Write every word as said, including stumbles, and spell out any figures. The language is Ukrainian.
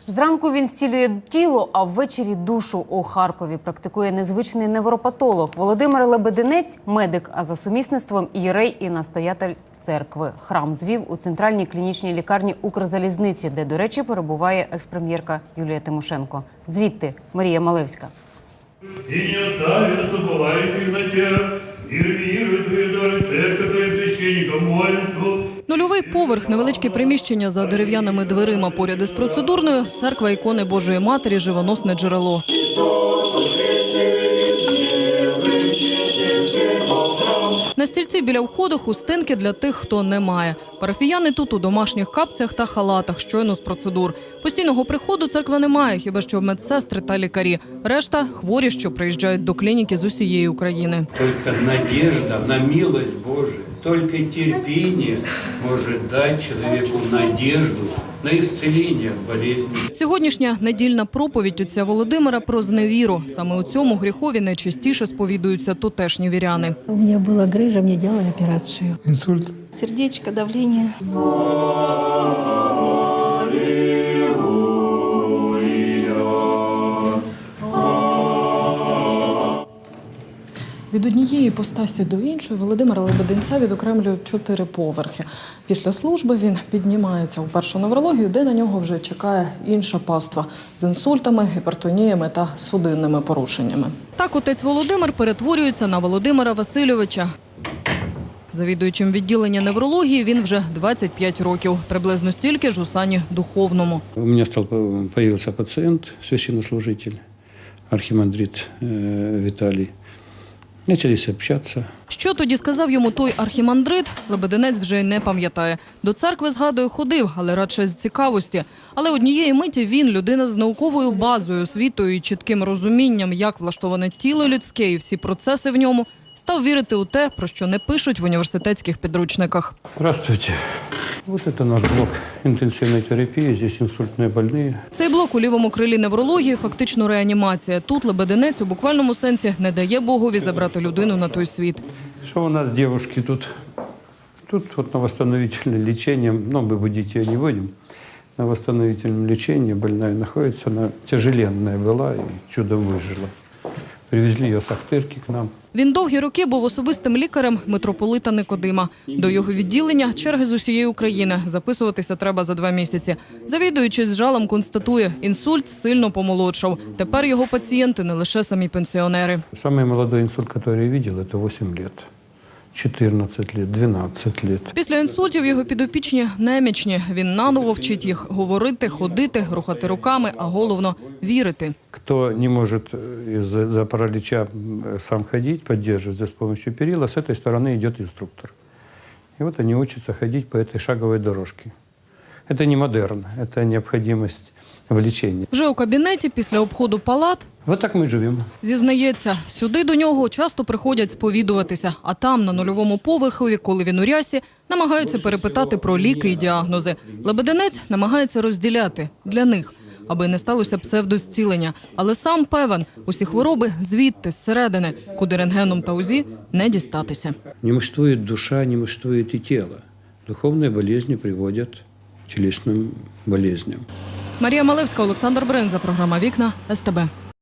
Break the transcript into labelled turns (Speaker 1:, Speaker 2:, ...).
Speaker 1: Зранку він зцілює тіло, а ввечері душу. У Харкові практикує незвичний невропатолог. Володимир Лебединець – медик, а за сумісництвом єрей і настоятель церкви. Храм звів у центральній клінічній лікарні Укрзалізниці, де, до речі, перебуває екс-прем'єрка Юлія Тимошенко. Звідти Марія Малевська.
Speaker 2: «И не оставишь забывающих на тебя, мир миру твою дары, церковь твоим священникам молитву».
Speaker 3: Нульовий поверх, невеличке приміщення за дерев'яними дверима поряд із процедурною, церква ікони Божої Матері, живоносне джерело. На стільці біля входу хустинки для тих, хто не має. Парафіяни тут у домашніх капцях та халатах, щойно з процедур. Постійного приходу церква не має, хіба що медсестри та лікарі. Решта – хворі, що приїжджають до клініки з усієї України.
Speaker 4: Тільки надіжда на милость Божию, тільки терпіння може дати чоловіку надіжду на ісцелення болезні.
Speaker 3: Сьогоднішня недільна проповідь отця Володимира про зневіру. Саме у цьому гріхові найчастіше сповідуються тутешні віряни.
Speaker 5: У мене була грижа, мені робили операцію.
Speaker 6: Инсульт.
Speaker 5: Сердечко, давлення.
Speaker 3: Від однієї іпостасі до іншої Володимира Лебединця відокремлюють чотири поверхи. Після служби він піднімається у першу неврологію, де на нього вже чекає інша паства з інсультами, гіпертоніями та судинними порушеннями. Так отець Володимир перетворюється на Володимира Васильовича. Завідуючим відділення неврології він вже двадцять п'ять років. Приблизно стільки ж у сані духовному.
Speaker 4: У мене став, появився пацієнт, священнослужитель, архімандрит Віталій. Почалися общатися.
Speaker 3: Що тоді сказав йому той архімандрит, Лебединець вже й не пам'ятає. До церкви, згадує, ходив, але радше з цікавості. Але однієї миті він, людина з науковою базою, освітою і чітким розумінням, як влаштоване тіло людське і всі процеси в ньому, став вірити у те, про що не пишуть в університетських підручниках.
Speaker 4: Здравствуйте. Вот это наш блок интенсивной терапии, здесь инсультные больные.
Speaker 3: Цей блок у лівому крилі неврології – фактично реанімація. Тут Лебединець у буквальному сенсі не дає Богові забрати людину на той світ.
Speaker 4: Что у нас девушки тут? Тут вот на восстановительном лечении, ну, мы будить ее не будем, на восстановительном лечении больная находится, она тяжеленная была и чудом выжила. Привезли її з Ахтирки к нам.
Speaker 3: Він довгі роки був особистим лікарем митрополита Никодима. До його відділення черги з усієї України. Записуватися треба за два місяці. Завідуючий з жалем констатує, інсульт сильно помолодшав. Тепер його пацієнти не лише самі пенсіонери.
Speaker 4: Самый молодой инсульт, который я видел, это восемь лет. чотирнадцять лет, дванадцять лет.
Speaker 3: Після інсультів його підопічні немічні. Він наново вчить їх говорити, ходити, рухати руками, а головно – вірити.
Speaker 4: Кто не может из-за паралича сам ходить, поддерживать с помощью перила, с этой стороны идет инструктор. И вот они учатся ходить по этой шаговой дорожке. Это не модерн, это необходимость в лечении.
Speaker 3: Вже у кабінеті після обходу палат
Speaker 4: Вот так мы живем.
Speaker 3: зізнається, сюди до нього часто приходять сповідуватися, а там, на нульовому поверхові, коли він у рясі, намагаються перепитати про ліки і діагнози. Лебединець намагається розділяти для них, аби не сталося псевдозцілення. Але сам певен, усі хвороби звідти, зсередини, куди рентгеном та УЗІ не дістатися.
Speaker 4: Не мужествует душа, не мужествует и тело. Духовные болезни приводят к телесным болезням.
Speaker 3: Марія Малевська, Олександр Бринза, програма «Вікна», ес те бе.